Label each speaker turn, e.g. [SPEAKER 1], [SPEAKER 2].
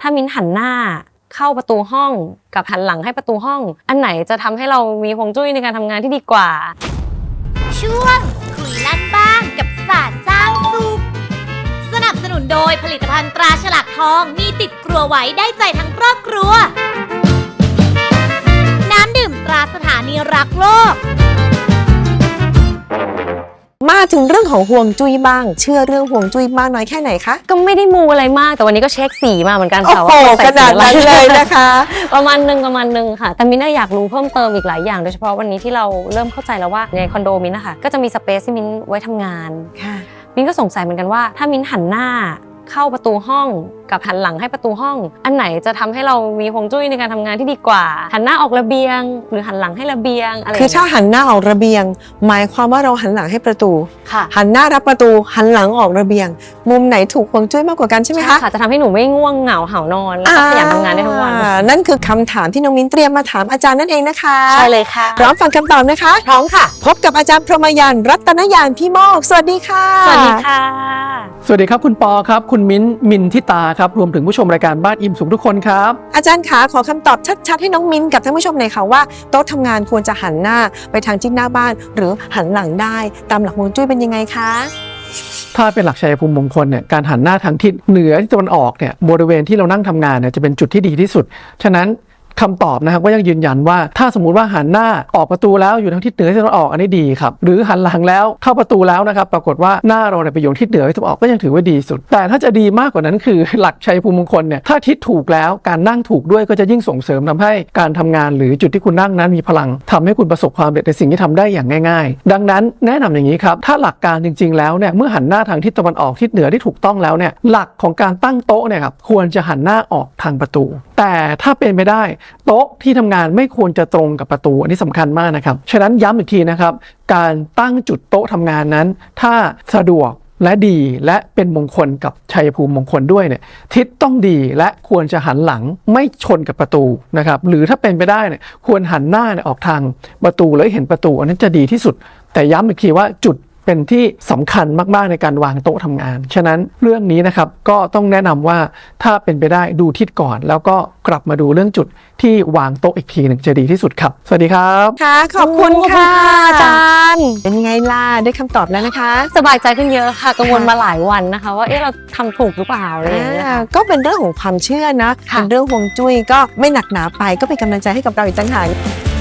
[SPEAKER 1] ถ้ามิ้นหันหน้าเข้าประตูห้องกับหันหลังให้ประตูห้องอันไหนจะทำให้เรามีฮวงจุ้ยในการทำงานที่ดีกว่า
[SPEAKER 2] ช่วงคุยลั่นบ้างกับศาสตร์สร้างสุขสนับสนุนโดยผลิตภัณฑ์ตราฉลากทองมีติดครัวไว้ได้ใจทั้งครอบครัวน้ำดื่มตราสถานีรักโลก
[SPEAKER 3] มาถึงเรื่องของฮวงจุ้ยบ้างเชื่อเรื่องฮวงจุ้ยมากน้อยแค่ไหนคะ
[SPEAKER 1] ก็ไม่ได้มูอะไรมากแต่วันนี้ก็เช็คสีมาเหมือนกันค่ะ
[SPEAKER 3] ว่าขนาดนั้นเลยนะคะ
[SPEAKER 1] ประมาณนึงค่ะแต่มิ้นอยากรู้เพิ่มเติมอีกหลายอย่างโดยเฉพาะวันนี้ที่เราเริ่มเข้าใจแล้วว่าในคอนโดมิ้นนะคะก็จะมีสเปซที่มิ้นไว้ทำงานมิ้นก็สงสัยเหมือนกันว่าถ้ามิ้นหันหน้าเข้าประตูห้องกับหันหลังให้ประตูห้องอันไหนจะทำให้เรามีฮวงจุ้ยในการทำงานที่ดีกว่าหันหน้าออกระเบียงหรือหันหลังให้ระเบียงอะไร
[SPEAKER 3] คือถ้าหันหน้าออกระเบียงหมายความว่าเราหันหลังให้ประตูหันหน้ารับประตูหันหลังออกระเบียงมุมไหนถูกฮวงจุ้ยมากกว่ากันใช่ไหมคะ
[SPEAKER 1] ค่ะจะทำให้หนูไม่ง่วงเหงาเห่านอนแล้วก็ขยันทำงานได้ทั้งวัน
[SPEAKER 3] นั่นคือคำถามที่น้องมิ้นเตรียมมาถามอาจารย์นั่นเองนะคะ
[SPEAKER 1] ใช่เลยค่ะ
[SPEAKER 3] พร้อมฟังคำตอบนะคะ
[SPEAKER 1] พร้อมค่ะ
[SPEAKER 3] พบกับอาจารย์พรหมยานต์รัตนยานพี่โมกสวัสดีค่ะ
[SPEAKER 1] สวัสดีค่ะ
[SPEAKER 4] สวัสดีครับคุณปอครับคุณมิ้นมินทิตาครับรวมถึงผู้ชมรายการบ้านอิ่มสุขทุกคนครับ
[SPEAKER 3] อาจารย์ขาขอคำตอบชัดๆให้น้องมิ้นกับท่านผู้ชมหน่อยค่ะว่าโต๊ะทำงานควรจะหันหน้าไปทางทิศหน้าบ้านหรือหันหลังได้ตามหลักฮวงจุ้ยเป็นยังไงคะ
[SPEAKER 4] ถ้าเป็นหลักชัยภูมิมงคลเนี่ยการหันหน้าทางทิศเหนือที่ตะวันออกเนี่ยบริเวณที่เรานั่งทำงานเนี่ยจะเป็นจุดที่ดีที่สุดฉะนั้นคำตอบนะครับก็ยังยืนยันว่าถ้าสมมุติว่าหันหน้าออกประตูแล้วอยู่ทางทิศเหนือที่ตะวันออกอันนี้ดีครับหรือหันหลังแล้วเข้าประตูแล้วนะครับปรากฏว่าหน้าเราเนี่ยไปอยู่ทิศเหนือที่ตะวันออกก็ยังถือว่าดีสุดแต่ถ้าจะดีมากกว่านั้นคือหลักชัยภูมิมงคลเนี่ยถ้าทิศถูกแล้วการนั่งถูกด้วยก็จะยิ่งส่งเสริมทำให้การทำงานหรือจุดที่คุณนั่งนั้นมีพลังทำให้คุณประสบความสำเร็จในสิ่งที่ทำได้อย่างง่ายๆดังนั้นแนะนำอย่างนี้ครับถ้าหลักการจริงๆแล้วเนี่ยเมื่อหันหน้าทางทิศตะวันออกทิศเหนือที่ถูกต้องแล้วเนี่ยหลักของการตั้งโต๊ะเนี่ยครับควรจะหันหน้าออกทางประตูแต่ถ้าเป็นไปได้โต๊ะที่ทำงานไม่ควรจะตรงกับประตูอันนี้สำคัญมากนะครับฉะนั้นย้ำอีกทีนะครับการตั้งจุดโต๊ะทำงานนั้นถ้าสะดวกและดีและเป็นมงคลกับชัยภูมิมงคลด้วยเนี่ยทิศต้องดีและควรจะหันหลังไม่ชนกับประตูนะครับหรือถ้าเป็นไปได้เนี่ยควรหันหน้าออกทางประตูแล้วเห็นประตูอันนั้นจะดีที่สุดแต่ย้ำอีกทีว่าจุดเป็นที่สำคัญมากๆในการวางโต๊ะทำงานฉะนั้นเรื่องนี้นะครับก็ต้องแนะนำว่าถ้าเป็นไปได้ดูทิศก่อนแล้วก็กลับมาดูเรื่องจุดที่วางโต๊ะอีกทีหนึ่งจะดีที่สุดครับสวัสดีครับ
[SPEAKER 3] ค่ะขอบคุณค่ะอาจารย์เป็นยังไงล่ะได้คำตอบแล้วนะคะ
[SPEAKER 1] สบายใจขึ้นเยอะค่ะกังวลมาหลายวันนะคะว่าเราทำถูกหรือเปล่าอะไรอย่างเงี้ย
[SPEAKER 3] ก็เป็นเรื่องของความเชื่อนะเป็นเรื่องฮวงจุ้ยก็ไม่หนักหนาไปก็เป็นกำลังใจให้กับเราอีกต่างหาก